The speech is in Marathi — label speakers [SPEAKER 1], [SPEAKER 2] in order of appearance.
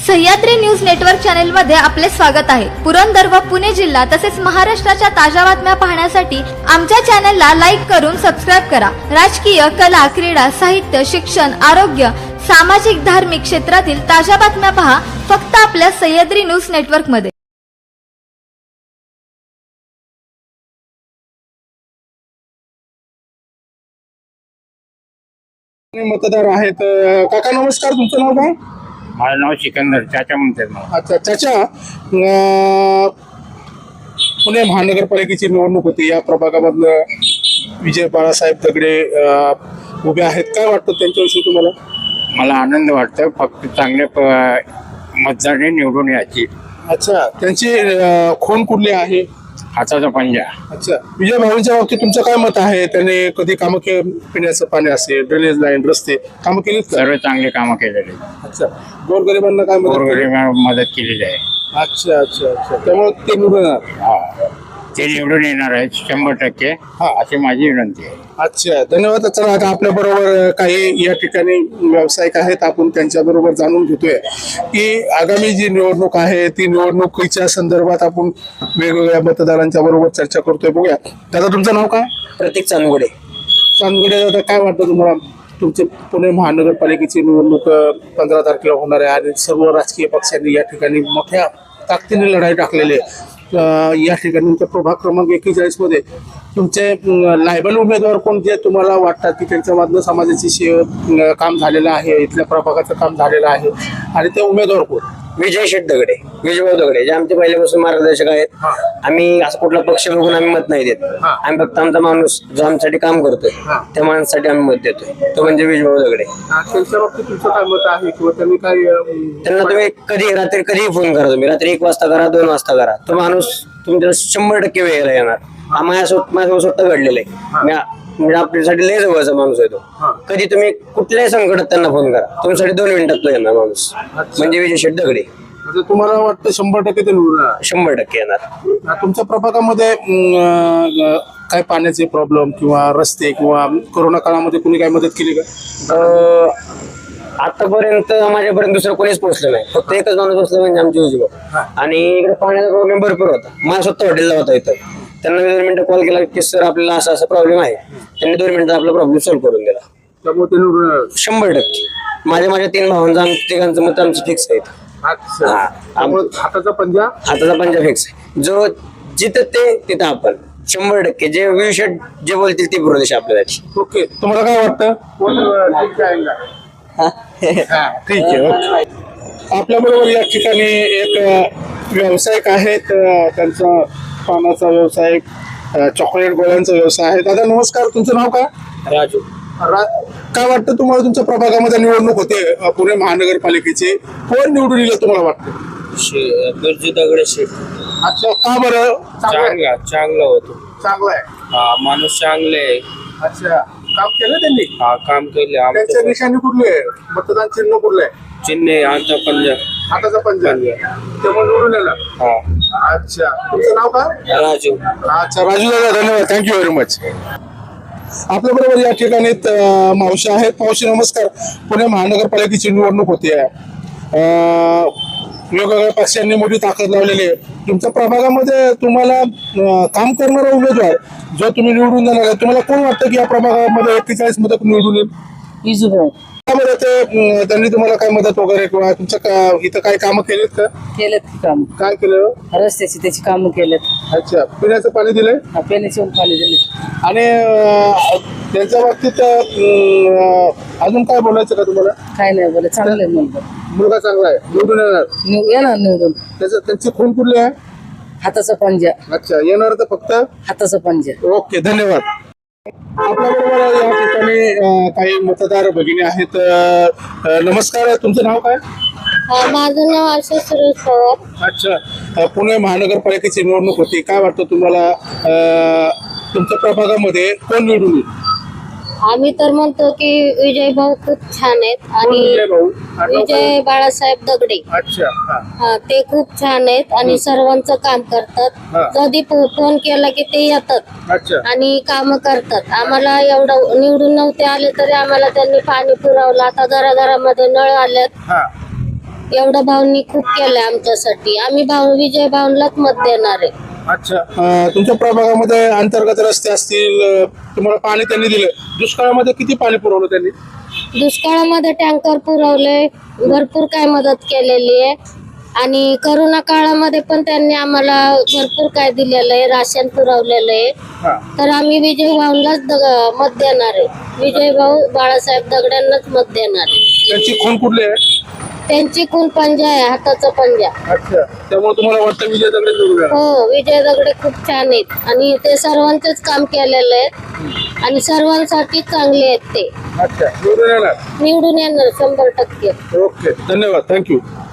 [SPEAKER 1] सह्याद्री न्यूज नेटवर्क चॅनल मध्ये आपले स्वागत आहे। पुरंदर व पुणे जिल्हा तसेच महाराष्ट्राच्या ताज्या बातम्या पाहण्यासाठी आमच्या चॅनलला लाईक करून सबस्क्राइब करा। राजकीय, कला, क्रीडा, साहित्य, शिक्षण, आरोग्य, सामाजिक, धार्मिक क्षेत्रातील ताज्या बातम्या पहा फक्त आपल्या सह्याद्री न्यूज नेटवर्क मध्ये।
[SPEAKER 2] मतदार आहेत। काका नमस्कार, तुमचं नाव काय?
[SPEAKER 3] माझं नाव सिकंदर, चाचा म्हणतात मला.
[SPEAKER 2] अच्छा चाचा, पुणे महानगरपालिकेची निवडणूक होती। या प्रभागामधनं विजय बाळासाहेब दगडे उभे आहेत। काय वाटतं त्यांच्याविषयी तुम्हाला?
[SPEAKER 3] मला आनंद वाटतं, फक्त चांगल्या मतदाराने निवडून यायची.
[SPEAKER 2] अच्छा, त्यांची खून कुठली आहे?
[SPEAKER 3] हाताचा पंजा.
[SPEAKER 2] अच्छा, विजय भाऊंच्या बाबतीत तुमचं काय मत आहे? त्याने कधी कामं पिण्याचं पाणी असेल, ड्रेनेज लाईन, रस्ते कामं केलीत का?
[SPEAKER 3] सर्व चांगले कामं केलेले.
[SPEAKER 2] अच्छा, गोरगरिबांना काय मदत केली?
[SPEAKER 3] गोरगरिबांना मदत केलेली आहे.
[SPEAKER 2] अच्छा अच्छा अच्छा, त्यामुळे ते निवडून येणार.
[SPEAKER 3] हा, ते निवडून येणार आहेत 100%.
[SPEAKER 2] हा,
[SPEAKER 3] अशी माझी विनंती आहे.
[SPEAKER 2] अच्छा, धन्यवाद. चला, आता आपल्या बरोबर काही या ठिकाणी व्यावसायिक आहेत, आपण त्यांच्या बरोबर जाणून घेतोय की आगामी जी निवडणूक आहे ती निवडणुकीच्या संदर्भात आपण वेगवेगळ्या मतदारांच्या बरोबर चर्चा करतोय। बघूया, दादा तुमचं नाव काय?
[SPEAKER 4] प्रतीक चांदगुडे.
[SPEAKER 2] चांदगुडे दादा, काय वाटतं तुम्हाला? तुमचे पुणे महानगरपालिकेची निवडणूक 15 तारखेला होणार आहे आणि सर्व राजकीय पक्षांनी या ठिकाणी मोठ्या ताकदीने लढाई टाकलेली आहे। या ठिकाणी तुमच्या प्रभाग क्रमांक 41 मध्ये तुमचे लायबल उमेदवार कोण, जे तुम्हाला वाटतात की त्यांच्या मधनं समाजाची काम झालेलं आहे, इथल्या प्रभागाचं काम झालेलं आहे, आणि ते उमेदवार कोण?
[SPEAKER 4] विजय शेठ दगडे, विजयभाऊ दगडे, जे आमचे पहिल्यापासून मार्गदर्शक आहेत. आम्ही असं कुठला पक्ष बघून आम्ही मत नाही देत. आम्ही फक्त आमचा माणूस जो आमच्यासाठी काम करतोय त्या माणसासाठी आम्ही मत देतोय, तो म्हणजे विजयभाऊ दगडे.
[SPEAKER 2] त्यांच्या बाबतीत तुमचं काय मत आहे, किंवा त्यांनी काय?
[SPEAKER 4] त्यांना तुम्ही कधी रात्री कधीही फोन करा, तुम्ही रात्री 1 वाजता करा, 2 वाजता करा, तो माणूस तुमच्या 100% वेळेला येणार. माझ्यासोबत स्वतः घडलेलं आहे. म्हणजे आपल्यासाठी लय जवळचा माणूस आहे तो. कधी तुम्ही कुठल्याही संकटात त्यांना फोन करा, तुमच्यासाठी 2 मिनिटात तो येणार माणूस, म्हणजे विजय शेठ दगडे.
[SPEAKER 2] म्हणजे तुम्हाला वाटतं 100% ते निवडून येणार?
[SPEAKER 4] 100% येणार.
[SPEAKER 2] तुमच्या प्रभागामध्ये काय पाण्याचे प्रॉब्लेम किंवा रस्ते किंवा कोरोना काळामध्ये कुणी काय मदत केली का?
[SPEAKER 4] आतापर्यंत माझ्यापर्यंत दुसरं कोणीच पोहोचलं नाही. फक्त एकच माणूस पोहोचला, म्हणजे आमचे विजयभाऊ. आणि इकडे पाण्याचा प्रॉब्लेम भरपूर होता. माझ्या स्वतः हॉटेलला होता इथं. त्यांना 2 मिनिटं कॉल केला की सर आपल्याला असा असा प्रॉब्लेम आहे. त्यांनी 2 मिनिटात आपला प्रॉब्लेम सॉल्व्ह करून दिला.
[SPEAKER 2] त्यामुळे ते निवडून येणार
[SPEAKER 4] 100%. माझ्या 3 भावांचा तिघांचं मत आमचं फिक्स आहे.
[SPEAKER 2] हाताचा पंजा.
[SPEAKER 4] हाताचा पंजा फिक्स आहे. जो जिथं ते तिथं आपण 100%. जे विषय जे बोलतील ती प्रदेश आपल्यासाठी.
[SPEAKER 2] ओके, तुम्हाला काय वाटतं? ठीक आहे, ओके. आपल्या बरोबर या ठिकाणी एक व्यावसायिक आहेत, त्यांचा पानाचा व्यवसाय, चॉकलेट गोळ्यांचा व्यवसाय आहे। दादा नमस्कार, तुमचं नाव काय?
[SPEAKER 4] राजू.
[SPEAKER 2] काय वाटतं तुम्हाला? तुमच्या प्रभागामध्ये निवडणूक होते पुणे महानगरपालिकेची, कोण निवडून येईल तुम्हाला वाटतं?
[SPEAKER 4] बिरजू दगडे शेठ.
[SPEAKER 2] अच्छा, का बरं?
[SPEAKER 4] चांगला होतो.
[SPEAKER 2] चांगला आहे.
[SPEAKER 4] हा, माणूस चांगले आहे.
[SPEAKER 2] अच्छा, काम केलं त्यांनी?
[SPEAKER 4] हा, काम केले.
[SPEAKER 2] त्यांच्या निशाणी कुठली आहे? मतदान चिन्ह कुठलं आहे?
[SPEAKER 4] चिन्ह आता पंजा.
[SPEAKER 2] हाताचा पंजा, त्यामुळे निवडून येणार.
[SPEAKER 4] हा.
[SPEAKER 2] अच्छा, तुमचं नाव काय?
[SPEAKER 4] राजू.
[SPEAKER 2] अच्छा राजू दादा, धन्यवाद, थँक्यू व्हेरी मच. आपल्या बरोबर या ठिकाणी मावशी आहेत. मावशी नमस्कार. पुणे महानगरपालिकेची निवडणूक होती, वेगवेगळ्या पक्षांनी मोठी ताकद लावलेली आहे. तुमच्या प्रभागामध्ये तुम्हाला काम करणारा उमेदवार जो तुम्ही निवडून देणार आहे, तुम्हाला कोण वाटतं की या प्रभागामध्ये 41 मदत निवडून येईल?
[SPEAKER 5] विजूभाऊ.
[SPEAKER 2] त्यामध्ये त्यांनी तुम्हाला काय मदत वगैरे, किंवा तुमच्या इथं काय कामं केलीत का?
[SPEAKER 5] केलेत की काम,
[SPEAKER 2] काय केलं?
[SPEAKER 5] रस्त्याची त्याची कामं केलेत.
[SPEAKER 2] अच्छा, पिण्याचं पाणी दिलंय
[SPEAKER 5] पेण्याची पाणी दिले.
[SPEAKER 2] आणि त्यांच्या बाबतीत अजून काय बोलायचं का तुम्हाला?
[SPEAKER 5] काय नाही बोला, चांगलं आहे मुलगा.
[SPEAKER 2] मुलगा चांगला आहे, निवडून येणार.
[SPEAKER 5] येणार निवडून.
[SPEAKER 2] त्यांची खून कुठली आहे?
[SPEAKER 5] हाताचा पंजा.
[SPEAKER 2] अच्छा, येणार तर फक्त
[SPEAKER 5] हाताचा पंजा.
[SPEAKER 2] ओके, धन्यवाद. आपल्या बरोबर या ठिकाणी काही मतदार भगिनी आहेत. नमस्कार, तुमचं नाव काय?
[SPEAKER 6] माझं नाव आशा सुरेश पवार.
[SPEAKER 2] अच्छा, पुणे महानगरपालिकेची निवडणूक होती, काय वाटतं तुम्हाला? तुमच्या प्रभागामध्ये कोण निवडून येईल?
[SPEAKER 6] आम्ही तर म्हणतो की विजय भाऊ खूप छान आहेत आणि विजय बाळासाहेब दगडे.
[SPEAKER 2] अच्छा,
[SPEAKER 6] हा, ते खूप छान आहेत आणि सर्वांचं काम करतात. कधी फोन केला की ते येतात
[SPEAKER 2] अच्छा,
[SPEAKER 6] आणि काम करतात. आम्हाला एवढं निवडून नव्हते आले तरी आम्हाला त्यांनी पाणी पुरवलं. आता घराघरामध्ये नळ आलेत. एवढं भाऊंनी खूप केलंय आमच्यासाठी. आम्ही विजय भाऊंलाच मत देणार आहे.
[SPEAKER 2] अच्छा. तुमच्या प्रभागामध्ये अंतर्गत रस्ते असतील, तुम्हाला पाणी त्यांनी दिलं. दुष्काळामध्ये किती पाणी पुरवलं त्यांनी?
[SPEAKER 6] दुष्काळामध्ये टँकर पुरवले, भरपूर काय मदत केलेली आहे. आणि करोना काळामध्ये पण त्यांनी आम्हाला भरपूर काय दिलेलं आहे, राशन पुरवलेलं आहे.
[SPEAKER 2] हा.
[SPEAKER 6] तर आम्ही विजय भाऊंलाच मत देणार आहे. विजय भाऊ बाळासाहेब दगड्यांनाच मत देणार आहे.
[SPEAKER 2] त्यांची खून कुठली आहे?
[SPEAKER 6] त्यांची खून पंजा आहे, हाताचा पंजा.
[SPEAKER 2] अच्छा. त्यामुळे तुम्हाला वाटतं विजय दगडे निवडून येणार?
[SPEAKER 6] हो, विजय दगडे खूप छान आहेत आणि ते सर्वांचंच काम केलेलं आहे आणि सर्वांसाठी चांगले आहेत ते.
[SPEAKER 2] अच्छा. निवडून येणार.
[SPEAKER 6] निवडून येणार 100%.
[SPEAKER 2] ओके, धन्यवाद, थँक्यू.